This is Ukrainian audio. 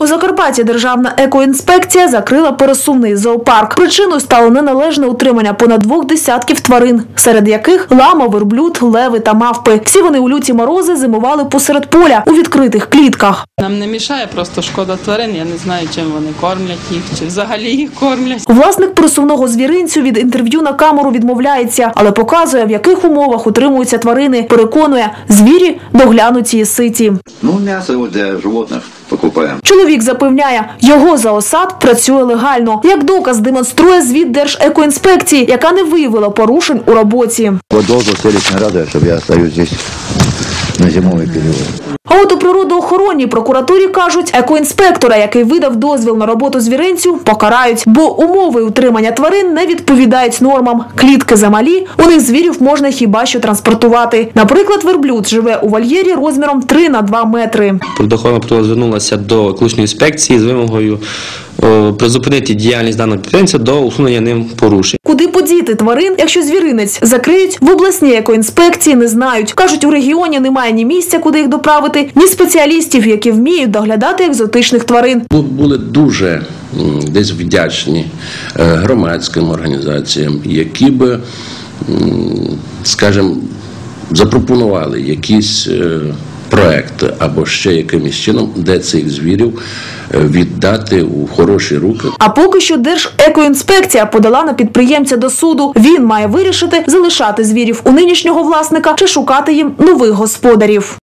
У Закарпатті Державна екоінспекція закрила пересувний зоопарк. Причиною стало неналежне утримання понад 2 десятків тварин, серед яких лама, верблюд, леви та мавпи. Всі вони у люті морози зимували посеред поля у відкритих клітках. Нам не мішає, просто шкода тварин. Я не знаю, чим вони кормлять їх, чи взагалі їх кормлять. Власник пересувного звіринцю від інтерв'ю на камеру відмовляється, але показує, в яких умовах утримуються тварини. Переконує, звірі доглянуті і ситі. М'ясо для животних покупаємо. Чоловік запевняє, його зоосад працює легально. Як доказ демонструє звіт Держекоінспекції, яка не виявила порушень у роботі. Должность селищной радует, чтобы я остаюсь здесь на зимовий період. А от у природоохоронній прокуратурі кажуть, екоінспектора, який видав дозвіл на роботу звіринцю, покарають, бо умови утримання тварин не відповідають нормам. Клітки замалі, у них звірів можна хіба що транспортувати. Наприклад, верблюд живе у вольєрі розміром 3 на 2 метри. Природоохоронна прокуратура звернулася до екологічної інспекції з вимогою призупинити діяльність даного підприємця до усунення ним порушень. Куди подіти тварин, якщо звіринець закриють, в обласній екоінспекції не знають. Кажуть, у регіоні немає ні місця, куди їх доправити, ні спеціалістів, які вміють доглядати екзотичних тварин. Ми були дуже десь вдячні громадським організаціям, які би, скажімо, запропонували якісь проекти або ще якимось чином, де цих звірів віддати у хороші руки. А поки що Держекоінспекція подала на підприємця до суду. Він має вирішити, залишати звірів у нинішнього власника чи шукати їм нових господарів.